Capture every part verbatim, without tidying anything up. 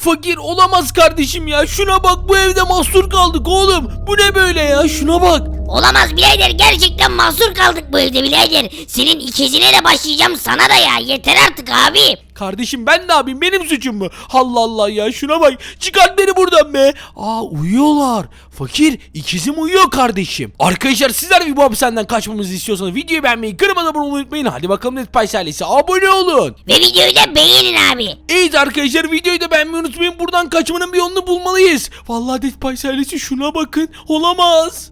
Fakir olamaz kardeşim ya. Şuna bak, bu evde mahsur kaldık oğlum. Bu ne böyle ya? Şuna bak. Olamaz birader, gerçekten mahsur kaldık bu evde birader. Senin ikizine de başlayacağım, sana da ya, yeter artık abi. Kardeşim ben ne yapayım, benim suçum mu? Allah Allah ya, şuna bak, çıkart beni buradan be. Aa, uyuyorlar. Fakir, ikizim uyuyor kardeşim. Arkadaşlar sizler bir bu hapishaneden kaçmamızı istiyorsanız videoyu beğenmeyi, kırmadan abone olmayı unutmayın. Hadi bakalım Netpice ailesi, abone olun. Ve videoyu da beğenin abi. Evet arkadaşlar, videoyu da beğenmeyi unutmayın. Buradan kaçmanın bir yolunu bulmalıyız. Vallahi Netpice ailesi, şuna bakın, olamaz.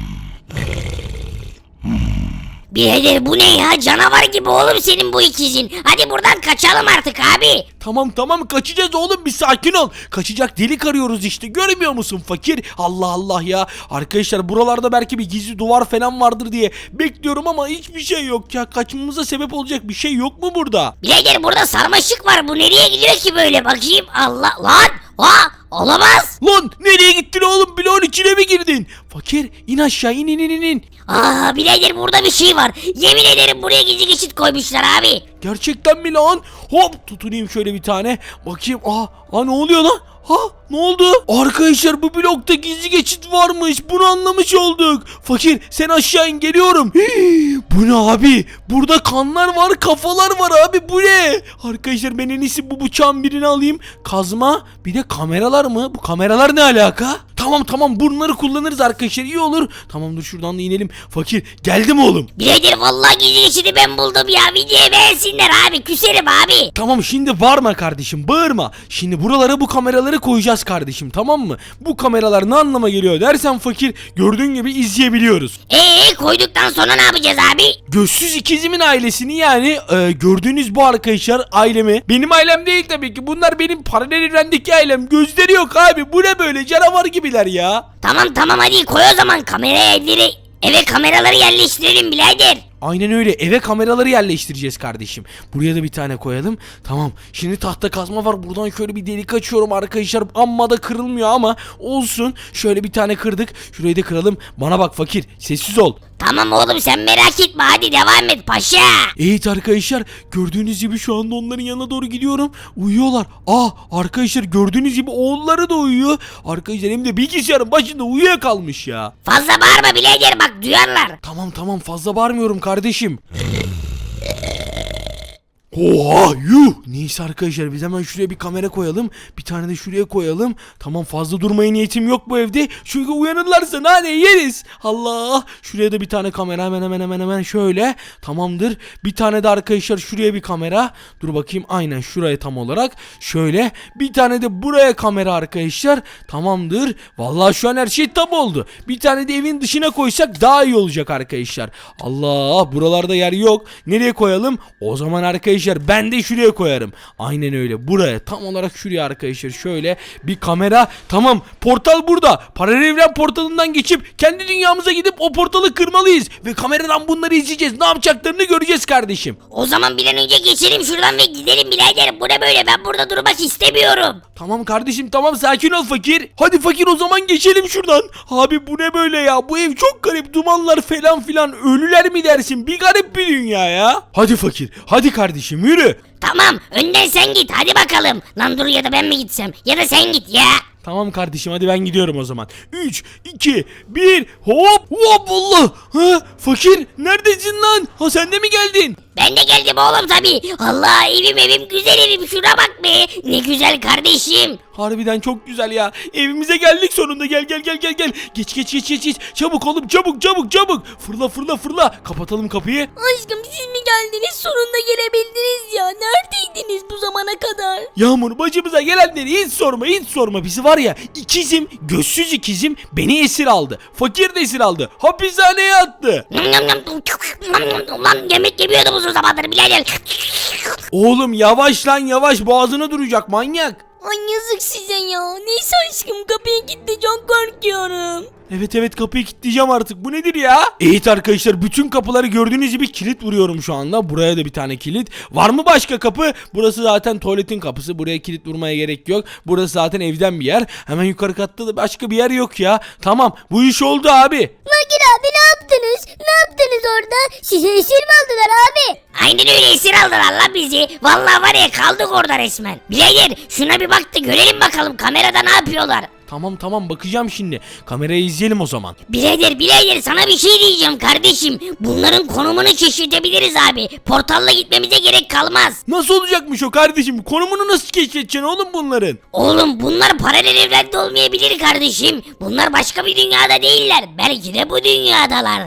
Birader bu ne ya, canavar gibi oğlum senin bu ikizin. Hadi buradan kaçalım artık abi. Tamam tamam, kaçacağız oğlum, bir sakin ol. Kaçacak delik arıyoruz işte, görmüyor musun fakir? Allah Allah ya. Arkadaşlar buralarda belki bir gizli duvar falan vardır diye bekliyorum ama hiçbir şey yok ya. Kaçmamıza sebep olacak bir şey yok mu burada? Birader burada sarmaşık var, bu nereye gidiyor ki böyle, bakayım. Allah lan. Ha, olamaz. Lan nereye gittin oğlum, bloğun içine mi girdin? Fakir in aşağı, in in in in. Aa birader burada bir şey var. Yemin ederim buraya gizli geçit koymuşlar abi. Gerçekten mi lan? Hop, tutunayım şöyle bir tane. Bakayım. Aa, aa ne oluyor lan? Ha, ne oldu? Arkadaşlar bu blokta gizli geçit varmış. Bunu anlamış olduk. Fakir sen aşağı in, geliyorum. Hii, bu ne abi? Burada kanlar var, kafalar var abi, bu ne? Arkadaşlar ben en iyisi bu bıçağın birini alayım. Kazma, bir de kameralar mı? Bu kameralar ne alaka? Tamam tamam, bunları kullanırız arkadaşlar, iyi olur. Tamam dur şuradan da inelim. Fakir geldi mi oğlum? Birader vallahi gizli geçidi ben buldum ya. Videoyu beğensinler abi, küserim abi. Tamam şimdi bağırma kardeşim, bağırma. Şimdi buralara bu kameraları koyacağız kardeşim, tamam mı? Bu kameralar ne anlama geliyor dersen fakir, gördüğün gibi izleyebiliyoruz. Eee koyduktan sonra ne yapacağız abi? Gözsüz ikizimin ailesini, yani e, gördüğünüz bu arkadaşlar ailemi. Benim ailem değil tabii ki, bunlar benim paralel evrendeki ailem. Gözleri yok abi, bu ne böyle, canavar gibiler ya. Tamam tamam hadi koy o zaman kameraya evleri. Eve kameraları yerleştirelim birader. Aynen öyle, eve kameraları yerleştireceğiz kardeşim. Buraya da bir tane koyalım. Tamam, şimdi tahta kazma var, buradan şöyle bir delik açıyorum arkadaşlar. Amma da kırılmıyor ama olsun. Şöyle bir tane kırdık, şurayı da kıralım. Bana bak fakir, sessiz ol. Tamam oğlum sen merak etme, hadi devam et paşa. Evet arkadaşlar, gördüğünüz gibi şu anda onların yanına doğru gidiyorum. Uyuyorlar. Ah arkadaşlar, gördüğünüz gibi oğulları da uyuyor. Arkadaşlar hem de bilgisayarın başında uyuyakalmış ya. Fazla bağırma birader, bak duyarlar. Tamam tamam, fazla bağırmıyorum kardeşim. Oha yuh. Neyse arkadaşlar, biz hemen şuraya bir kamera koyalım. Bir tane de şuraya koyalım. Tamam, fazla durmaya niyetim yok bu evde. Çünkü uyanırlarsa nane yeriz. Allah. Şuraya da bir tane kamera, hemen hemen hemen hemen şöyle. Tamamdır. Bir tane de arkadaşlar şuraya bir kamera. Dur bakayım, aynen şuraya tam olarak. Şöyle. Bir tane de buraya kamera arkadaşlar. Tamamdır. Vallahi şu an her şey tam oldu. Bir tane de evin dışına koysak daha iyi olacak arkadaşlar. Allah, buralarda yer yok. Nereye koyalım? O zaman arkadaşlar ben de şuraya koyarım. Aynen öyle, buraya, tam olarak şuraya arkadaşlar, şöyle bir kamera. Tamam, portal burada. Paralel evren portalından geçip kendi dünyamıza gidip o portalı kırmalıyız ve kameradan bunları izleyeceğiz. Ne yapacaklarını göreceğiz kardeşim. O zaman bir an önce geçelim şuradan ve gidelim birader. Bu ne böyle, ben burada durmak istemiyorum. Tamam kardeşim, tamam, sakin ol fakir. Hadi fakir, o zaman geçelim şuradan. Abi bu ne böyle ya, bu ev çok garip, dumanlar falan filan, ölüler mi dersin, bir garip bir dünya ya. Hadi fakir, hadi kardeşim, yürü. Tamam önden sen git hadi bakalım. Lan dur, ya da ben mi gitsem, ya da sen git ya. Tamam kardeşim, hadi ben gidiyorum o zaman. üç, iki, bir, hop hop, Allah. Ha, fakir neredesin lan? Ha, sen de mi geldin? Ben de geldim oğlum tabi. Allah, evim evim güzel evim, şuna bak be. Ne güzel kardeşim. Harbiden çok güzel ya. Evimize geldik sonunda. Gel gel gel gel gel. Geç geç geç geç geç. Çabuk oğlum, çabuk çabuk çabuk. Fırla fırla fırla. Kapatalım kapıyı. Aşkım siz mi geldiniz? Sonunda gelebildiniz ya. Neredeydiniz bu zamana kadar? Yağmur, başımıza gelenleri hiç sorma hiç sorma. Bizi var ya, ikizim, gözsüz ikizim beni esir aldı. Fakir de esir aldı. Hapishaneye attı. Lan yemek yemiyordum uzun zamandır birader. Oğlum yavaş lan, yavaş, boğazına duracak manyak. Ay yazık size ya. Neyse aşkım, kapıyı kilitli, çok korkuyorum. Evet evet, kapıyı kilitleyeceğim artık. Bu nedir ya? Evet arkadaşlar, bütün kapıları gördüğünüz gibi kilit vuruyorum şu anda. Buraya da bir tane kilit. Var mı başka kapı? Burası zaten tuvaletin kapısı. Buraya kilit vurmaya gerek yok. Burası zaten evden bir yer. Hemen yukarı katta da başka bir yer yok ya. Tamam, bu iş oldu abi. Fakir abi ne yaptınız? Ne yaptınız orada? Size esir mi aldılar abi? Aynen öyle, esir aldılar lan bizi. Vallahi var ya, kaldık orada resmen. Birader şuna bir bak da görelim bakalım kamerada ne yapıyorlar. Tamam tamam bakacağım şimdi. Kamerayı izleyelim o zaman. Birader birader sana bir şey diyeceğim kardeşim. Bunların konumunu keşfedebiliriz abi. Portalla gitmemize gerek kalmaz. Nasıl olacakmış o kardeşim? Konumunu nasıl keşfedeceksin oğlum bunların? Oğlum bunlar paralel evrende olmayabilir kardeşim. Bunlar başka bir dünyada değiller. Belki de bu dünyadalar.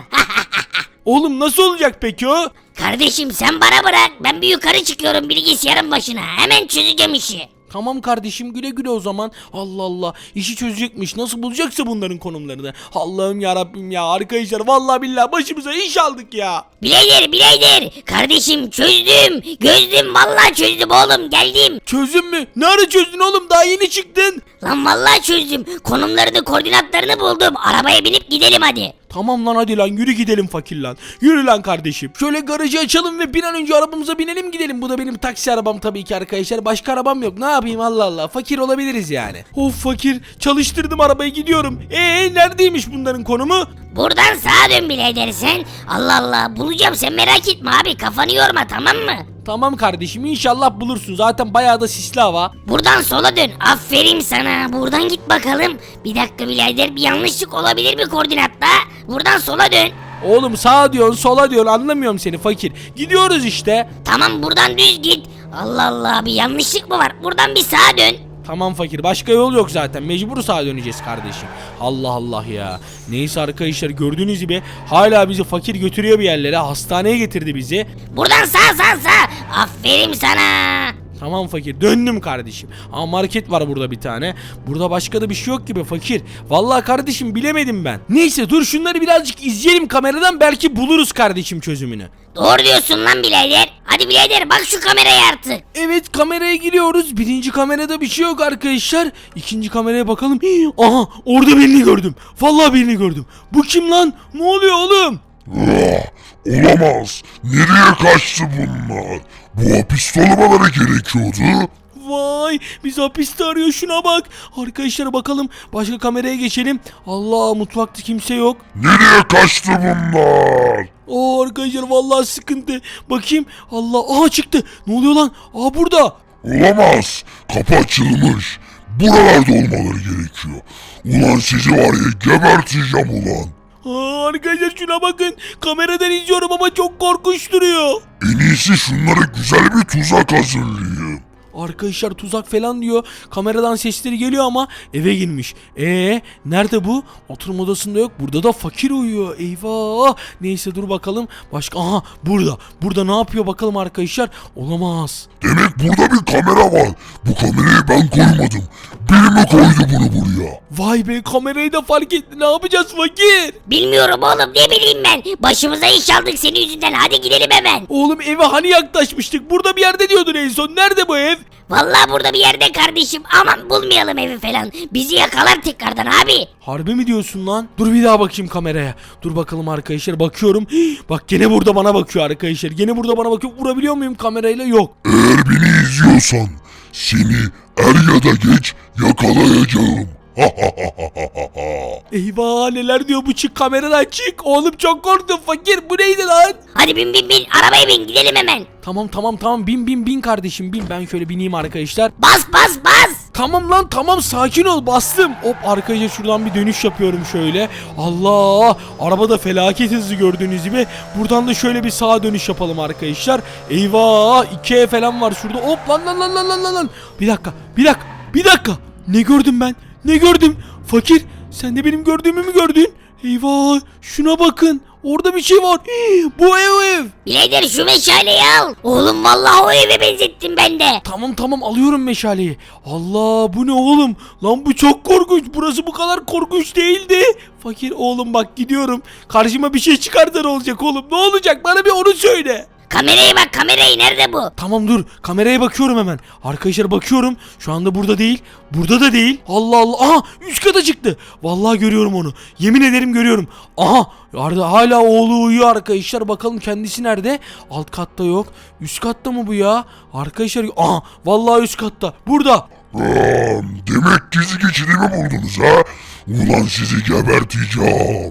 Oğlum nasıl olacak peki o? Kardeşim sen bana bırak. Ben bir yukarı çıkıyorum bilgisayarın başına. Hemen çözeceğim işi. Tamam kardeşim güle güle o zaman. Allah Allah işi çözecekmiş. Nasıl bulacaksa bunların konumlarını. Allah'ım ya Rabbim ya arkadaşlar vallahi billahi başımıza iş aldık ya. Bileydir bileydir. Kardeşim çözdüm. Gözdüm vallahi çözdüm oğlum, geldim. Çözdün mü? Ne ara çözdün oğlum? Daha yeni çıktın. Lan vallahi çözdüm. Konumlarını, koordinatlarını buldum. Arabaya binip gidelim hadi. Tamam lan hadi lan yürü gidelim fakir lan. Yürü lan kardeşim. Şöyle garajı açalım ve bir an önce arabamıza binelim gidelim. Bu da benim taksi arabam tabii ki arkadaşlar. Başka arabam yok. Ne yapayım Allah Allah. Fakir olabiliriz yani. Of fakir. Çalıştırdım arabayı gidiyorum. Eee neredeymiş bunların konumu? Buradan sağa dön bileydir sen. Allah Allah bulacağım, sen merak etme abi, kafanı yorma, tamam mı? Tamam kardeşim inşallah bulursun. Zaten bayağı da sisli hava. Buradan sola dön. Aferin sana. Buradan git bakalım. Bir dakika birader, bir yanlışlık olabilir mi koordinatta? Buradan sola dön. Oğlum sağa diyorsun sola diyorsun anlamıyorum seni fakir. Gidiyoruz işte. Tamam buradan düz git. Allah Allah, bir yanlışlık mı var? Buradan bir sağa dön. Tamam fakir başka yol yok zaten mecbur sağa döneceğiz kardeşim. Allah Allah ya. Neyse arkadaşlar gördüğünüz gibi hala bizi fakir götürüyor bir yerlere, hastaneye getirdi bizi. Buradan sağ sağ sağ. Aferin sana. Tamam fakir döndüm kardeşim. Ama market var burada bir tane. Burada başka da bir şey yok gibi fakir. Vallahi kardeşim bilemedim ben. Neyse dur şunları birazcık izleyelim kameradan, belki buluruz kardeşim çözümünü. Doğru diyorsun lan birader. Hadi birader bak şu kameraya artık. Evet kameraya giriyoruz. Birinci kamerada bir şey yok arkadaşlar. İkinci kameraya bakalım. Hii, aha orada birini gördüm. Vallahi birini gördüm. Bu kim lan? Ne oluyor oğlum? Ah, olamaz. Nereye kaçtı bunlar? Bu hapiste olmaları gerekiyordu. Vay bizi hapiste arıyor, şuna bak. Arkadaşlar bakalım başka kameraya geçelim. Allah mutfakta kimse yok. Nereye kaçtı bunlar? Oo arkadaşlar vallahi sıkıntı. Bakayım. Allah aha çıktı. Ne oluyor lan? Aa burada. Olamaz. Kapı açılmış. Buralarda olmaları gerekiyor. Ulan sizi var ya geberteceğim ulan. Aa, arkadaşlar şuna bakın. Kameradan izliyorum ama çok korkunç duruyor. En iyisi şunlara güzel bir tuzak hazırlayayım. Arkadaşlar tuzak falan diyor. Kameradan sesleri geliyor ama eve girmiş. Ee nerede bu? Oturma odasında yok. Burada da fakir uyuyor. Eyvah. Neyse dur bakalım. Başka aha burada. Burada ne yapıyor bakalım arkadaşlar? Olamaz. Demek burada bir kamera var. Bu kamerayı ben koymadım. Biri mi koydu bunu buraya? Vay be kamerayı da fark etti. Ne yapacağız fakir? Bilmiyorum oğlum, ne bileyim ben. Başımıza iş aldık senin yüzünden. Hadi gidelim hemen. Oğlum eve hani yaklaşmıştık? Burada bir yerde diyordun en son. Nerede bu ev? Vallahi burada bir yerde kardeşim. Aman bulmayalım evi falan. Bizi yakalar tekrardan abi. Harbi mi diyorsun lan? Dur bir daha bakayım kameraya. Dur bakalım arkadaşlar bakıyorum. Hii, bak gene burada bana bakıyor arkadaşlar. Gene burada bana bakıyor. Vurabiliyor muyum kamerayla? Yok. Eğer beni izliyorsan seni er ya da geç yakalayacağım. Eyvah neler diyor bu, çık kameradan çık. Oğlum çok korktum fakir, bu neydi lan? Hadi bin bin bin, arabaya bin, gidelim hemen. Tamam tamam tamam bin bin bin kardeşim bin, ben şöyle bineyim arkadaşlar. Bas bas bas. Tamam lan tamam sakin ol, bastım. Hop arkadaşlar şuradan bir dönüş yapıyorum şöyle. Allah araba da felaket hızlı gördüğünüz gibi. Buradan da şöyle bir sağa dönüş yapalım arkadaşlar. Eyvah iki E falan var şurada. Hop lan lan lan lan lan lan lan. Bir dakika bir dakika bir dakika. Ne gördüm ben? Ne gördüm? Fakir sen de benim gördüğümü mü gördün? Eyvah şuna bakın. Orada bir şey var. Hii, bu ev o ev. Birader şu meşaleyi al. Oğlum vallahi o eve benzettim ben de. Tamam tamam alıyorum meşaleyi. Allah bu ne oğlum? Lan bu çok korkunç. Burası bu kadar korkunç değildi. Fakir oğlum bak gidiyorum. Karşıma bir şey çıkarsa ne olacak oğlum? Ne olacak? Bana bir onu söyle. Kameraya bak, kamerayı, nerede bu? Tamam dur kameraya bakıyorum hemen. Arkadaşlar bakıyorum. Şu anda burada değil. Burada da değil. Allah Allah. Aha üst kata çıktı. Vallahi görüyorum onu. Yemin ederim görüyorum. Aha Arda hala oğlu uyuyor arkadaşlar. Bakalım kendisi nerede? Alt katta yok. Üst katta mı bu ya? Arkadaşlar aha vallahi üst katta. Burada. Ram, demek gizli geçidimi buldunuz ha? Ulan sizi geberteceğim.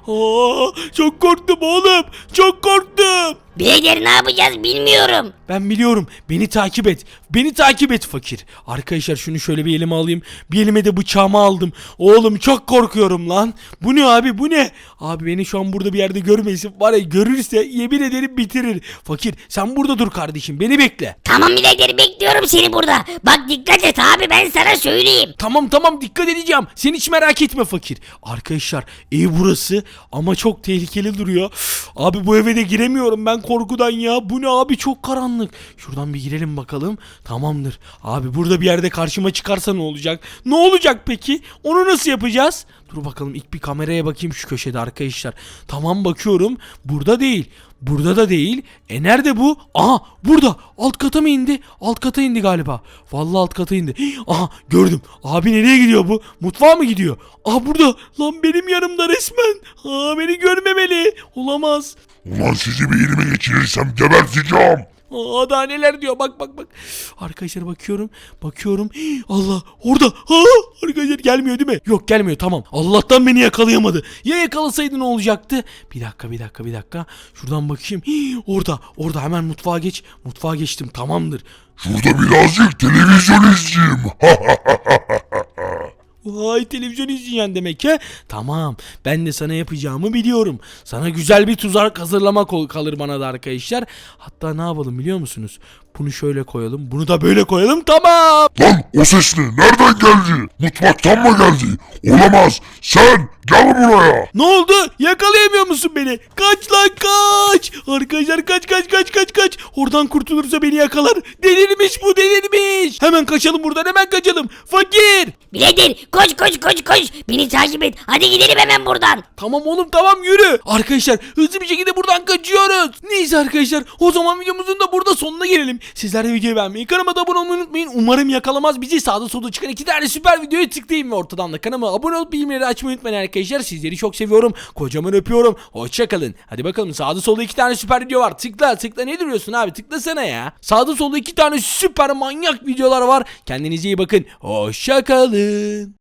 Aa, çok korktum oğlum. Çok korktum. Birader ne yapacağız bilmiyorum. Ben biliyorum. Beni takip et. Beni takip et fakir. Arkadaşlar şunu şöyle bir elime alayım. Bir elime de bıçağımı aldım. Oğlum çok korkuyorum lan. Bu ne abi bu ne? Abi beni şu an burada bir yerde görmesin. Var ya görürse yemin ederim bitirir. Fakir sen burada dur kardeşim. Beni bekle. Tamam birader bekliyorum seni burada. Bak dikkat et abi ben sana söyleyeyim. Tamam tamam dikkat edeceğim. Sen hiç merak etme fakir. Arkadaşlar ev burası ama çok tehlikeli duruyor. Abi bu eve de giremiyorum ben korkudan ya. Bu ne abi çok karanlık. Şuradan bir girelim bakalım. Tamamdır. Abi burada bir yerde karşıma çıkarsa ne olacak? Ne olacak peki? Onu nasıl yapacağız? Dur bakalım ilk bir kameraya bakayım şu köşede arkadaşlar. Tamam bakıyorum. Burada değil. Burada da değil. E nerede bu? Aha burada. Alt kata mı indi? Alt kata indi galiba. Vallahi alt kata indi. Aha gördüm. Abi nereye gidiyor bu? Mutfağa mı gidiyor? Aha burada. Lan benim yanımda resmen. Aa beni görmemeli. Olamaz. Ulan sizi bir elime geçirirsem geberteceğim. Aa daha neler diyor bak bak bak. Arkadaşlar bakıyorum. Bakıyorum. Hii, Allah orada. Ha, arkadaşlar gelmiyor değil mi? Yok gelmiyor tamam. Allah'tan beni yakalayamadı. Ya yakalasaydı ne olacaktı? Bir dakika bir dakika bir dakika. Şuradan bakayım. Hii, orada orada hemen mutfağa geç. Mutfağa geçtim tamamdır. Şurada birazcık televizyon izleyeyim. Vay televizyon izleyen demek he? Tamam ben de sana yapacağımı biliyorum. Sana güzel bir tuzak hazırlamak ol- kalır bana da arkadaşlar. Hatta ne yapalım biliyor musunuz? Bunu şöyle koyalım. Bunu da böyle koyalım tamam. Lan o ses ne? Nereden geldi? Mutfaktan mı geldi? Olamaz. Sen gel buraya. Ne oldu? Yakalayamıyor musun beni? Kaç lan kaç. Arkadaşlar kaç kaç kaç kaç kaç. Oradan kurtulursa beni yakalar. Delirmiş bu delirmiş. Hemen kaçalım buradan hemen kaçalım. Fakir. Birader koş koş koş koş. Beni takip et. Hadi gidelim hemen buradan. Tamam oğlum tamam yürü. Arkadaşlar hızlı bir şekilde buradan kaçıyoruz. Neyse arkadaşlar o zaman videomuzun da burada sonuna gelelim. Sizler de videoyu beğenmeyi, kanalıma da abone olmayı unutmayın. Umarım yakalamaz bizi. Sağda solda çıkan iki tane süper videoyu tıklayın ve ortadan da kanalıma abone olup bildirimleri açmayı unutmayın arkadaşlar. Sizleri çok seviyorum. Kocaman öpüyorum. Hoşçakalın. Hadi bakalım sağda solda iki tane süper video var. Tıkla tıkla ne duruyorsun abi tıklasana ya. Sağda solda iki tane süper manyak videolar var. Kendinize iyi bakın. Hoşçakalın.